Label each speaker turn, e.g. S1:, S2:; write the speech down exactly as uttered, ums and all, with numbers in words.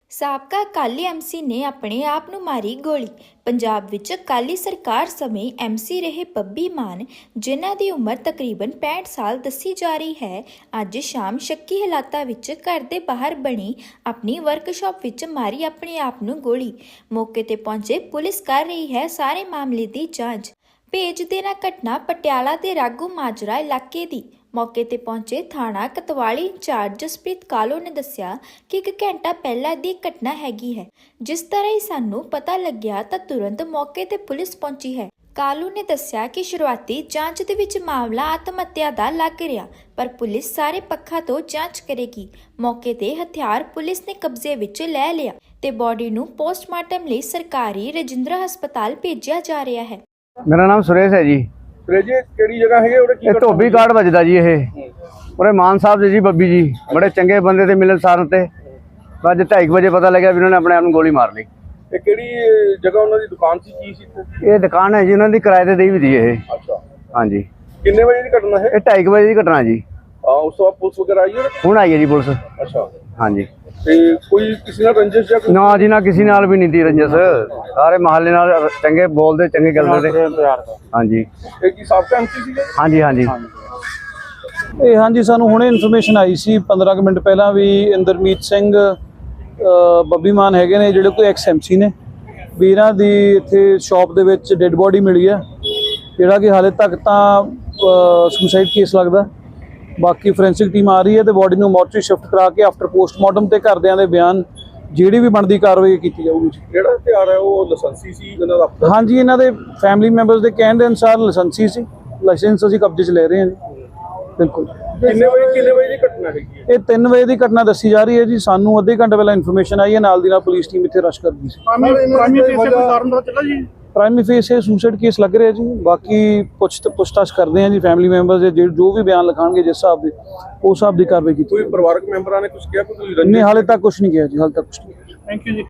S1: ਸਾਬਕਾ ਅਕਾਲੀ ਐਮਸੀ ਨੇ ਆਪਣੇ ਆਪ ਨੂੰ ਮਾਰੀ ਗੋਲੀ। ਪੰਜਾਬ ਵਿੱਚ ਅਕਾਲੀ ਸਰਕਾਰ ਸਮੇਂ ਐਮਸੀ ਰਹੇ ਬੱਬੀ ਮਾਨ, ਜਿਨ੍ਹਾਂ ਦੀ ਉਮਰ ਤਕਰੀਬਨ ਪੈਂਹਠ ਸਾਲ ਦੱਸੀ ਜਾ ਰਹੀ ਹੈ, ਅੱਜ ਸ਼ਾਮ ਸ਼ੱਕੀ ਹਾਲਾਤਾਂ ਵਿੱਚ ਘਰ ਦੇ ਬਾਹਰ ਬਣੀ ਆਪਣੀ ਵਰਕਸ਼ਾਪ ਵਿੱਚ ਮਾਰੀ ਆਪਣੇ ਆਪ ਨੂੰ ਗੋਲੀ। ਮੌਕੇ ਤੇ ਪਹੁੰਚੇ ਪੁਲਿਸ ਕਰ ਰਹੀ ਹੈ ਸਾਰੇ ਮਾਮਲੇ ਦੀ ਜਾਂਚ। ਭੇਜ ਦੇਣਾ ਘਟਨਾ ਪਟਿਆਲਾ ਦੇ ਰਾਗੂ ਮਾਜਰਾ ਇਲਾਕੇ ਦੀ। ਮੌਕੇ ਤੇ ਪਹੁੰਚੇ ਥਾਣਾ ਕਤਵਾਲੀ ਇੰਚਾਰਜ ਜਸਪ੍ਰੀਤ ਕਾਲੋ ਨੇ ਦੱਸਿਆ ਕਿ ਇੱਕ ਘੰਟਾ ਪਹਿਲਾਂ ਦੀ ਘਟਨਾ ਹੈਗੀ ਹੈ। ਜਿਸ ਤਰ੍ਹਾਂ ਹੀ ਸਾਨੂੰ ਪਤਾ ਲੱਗਿਆ ਤਾਂ ਤੁਰੰਤ ਮੌਕੇ ਤੇ ਪੁਲਿਸ ਪਹੁੰਚੀ ਹੈ। ਕਾਲੂ ਨੇ ਦੱਸਿਆ ਕਿ ਸ਼ੁਰੂਆਤੀ ਜਾਂਚ ਦੇ ਵਿੱਚ ਮਾਮਲਾ ਆਤਮ ਹੱਤਿਆ ਦਾ ਲੱਗ ਰਿਹਾ, ਪਰ ਪੁਲਿਸ ਸਾਰੇ ਪੱਖਾਂ ਤੋਂ ਜਾਂਚ ਕਰੇਗੀ। ਮੌਕੇ ਤੇ ਹਥਿਆਰ ਪੁਲਿਸ ਨੇ ਕਬਜ਼ੇ ਵਿੱਚ ਲੈ ਲਿਆ ਤੇ ਬੋਡੀ ਨੂੰ ਪੋਸਟਮਾਰਟਮ ਲਈ ਸਰਕਾਰੀ ਰਜਿੰਦਰਾ ਹਸਪਤਾਲ ਭੇਜਿਆ ਜਾ ਰਿਹਾ ਹੈ।
S2: मेरा नाम सुरेश है जी।
S3: सुरेश जी केड़ी जगह है और की
S2: धोबी कार्ड बजदा जी। ये और मान साहब जी बब्बी जी बड़े चंगे बंदे थे, मिलनसार थे। अज ढाई बजे पता लगे भी उन्होंने अपने आप गोली मार ली।
S3: ये केड़ी जगह उन्होंने दुकान सी की सी?
S2: ये दुकान है जी, उन्होंने किराए ते दी भी थी। ये
S3: अच्छा
S2: हाँ जी।
S3: कितने बजे की घटना है?
S2: ये ढाई बजे की घटना जी।
S3: हां उस वक्त पुलिस वगैरह आई है?
S2: हुण आई है जी पुलिस।
S3: अच्छा हाँ
S2: जी।
S3: ਤੇ ਕੋਈ ਕਿਸੇ ਨਾਲ ਰੰਜਿਸ਼ ਜਾਂ
S2: ना जी ना किसी नाल भी नहीं थी रंजस। सारे मोहल्ले नाल चंगे बोलते चंगे गलते थे। हाँ जी।
S3: ਇਹ ਕੀ ਸਾਬਕਾ ਐਮਸੀ ਸੀਗੇ?
S2: हाँ जी हाँ जी।
S4: ਇਹ ਹਾਂਜੀ ਸਾਨੂੰ ਹੁਣੇ ਇਨਫੋਰਮੇਸ਼ਨ ਆਈ ਸੀ ਪੰਦਰਾਂ ਕੁ ਮਿੰਟ ਪਹਿਲਾਂ ਵੀ ਇੰਦਰਮੀਤ ਸਿੰਘ ਬੱਬੀ ਮਾਨ ਹੈਗੇ ਨੇ, ਜਿਹੜੇ ਕੋਈ ਐਕਸ ਐਮਸੀ ਨੇ, ਵੀ ਇਹਨਾਂ ਦੀ ਇੱਥੇ ਸ਼ਾਪ ਦੇ ਵਿੱਚ ਡੈੱਡ ਬੋਡੀ ਮਿਲੀ ਹੈ, ਜਿਹੜਾ ਕਿ ਹਾਲੇ ਤੱਕ ਤਾਂ ਸੁਸਾਈਡ ਕੇਸ ਲੱਗਦਾ। ਬਾਕੀ ਫੋਰੈਂਸਿਕ ਟੀਮ ਆ ਰਹੀ ਹੈ ਤੇ ਬੋਡੀ ਨੂੰ ਮੋਰਚਰੀ ਸ਼ਿਫਟ ਕਰਾ ਕੇ ਆਫਟਰ ਪੋਸਟਮਾਰਟਮ ਤੇ ਘਰਦਿਆਂ ਦੇ ਬਿਆਨ ਜਿਹੜੀ ਵੀ ਬਣਦੀ ਕਾਰਵਾਈ ਕੀਤੀ ਜਾਊਗੀ।
S3: ਜਿਹੜਾ ਹਥਿਆਰ ਹੈ ਉਹ ਲਾਇਸੈਂਸੀ ਸੀ ਇਹਨਾਂ ਦਾ?
S4: ਹਾਂਜੀ, ਇਹਨਾਂ ਦੇ ਫੈਮਿਲੀ ਮੈਂਬਰਸ ਦੇ ਕਹਿਣ ਦੇ ਅਨੁਸਾਰ ਲਾਇਸੈਂਸੀ ਸੀ। ਲਾਇਸੈਂਸ ਅਸੀਂ ਕਬਜ਼ੇ 'ਚ ਲੈ ਰਹੇ ਹਾਂ ਜੀ। ਬਿਲਕੁਲ।
S3: ਕਿੰਨੇ ਵਜੇ ਕਿੰਨੇ ਵਜੇ ਦੀ ਘਟਨਾ ਹੈਗੀ ਹੈ?
S4: ਇਹ ਤਿੰਨ ਵਜੇ ਦੀ ਘਟਨਾ ਦੱਸੀ ਜਾ ਰਹੀ ਹੈ ਜੀ। ਸਾਨੂੰ ਅੱਧੇ ਘੰਟੇ ਪਹਿਲਾਂ ਇਨਫੋਰਮੇਸ਼ਨ ਆਈ ਹੈ, ਨਾਲ ਦੀ ਨਾਲ ਪੁਲਿਸ ਟੀਮ ਇੱਥੇ ਰਸ਼ ਕਰ ਗਈ ਸੀ। ਪ੍ਰਾਇਮਰੀ ਫੇਸ ਇਹ ਸੁਸਾਈਡ ਕੇਸ ਲੱਗ ਰਿਹਾ ਜੀ। ਬਾਕੀ ਪੁੱਛ ਪੁੱਛਤਾਛ ਕਰਦੇ ਹਾਂ ਜੀ ਫੈਮਿਲੀ ਮੈਂਬਰਸ ਦੇ, ਜੋ ਵੀ ਬਿਆਨ ਲਿਖਾਣਗੇ ਜਿਸ ਹਿਸਾਬ ਦੇ ਉਸ ਹਿਸਾਬ ਦੀ ਕਾਰਵਾਈ ਕੀਤੀ।
S3: ਕੋਈ ਪਰਿਵਾਰਕ ਮੈਂਬਰਾਂ ਨੇ ਕੁਝ ਕਿਹਾ? ਕੋਈ
S4: ਨਹੀਂ, ਹਾਲੇ ਤੱਕ ਕੁਝ ਨਹੀਂ ਕਿਹਾ ਜੀ, ਹਾਲੇ ਤੱਕ ਕੁਝ ਨਹੀਂ।
S3: ਥੈਂਕ ਯੂ ਜੀ।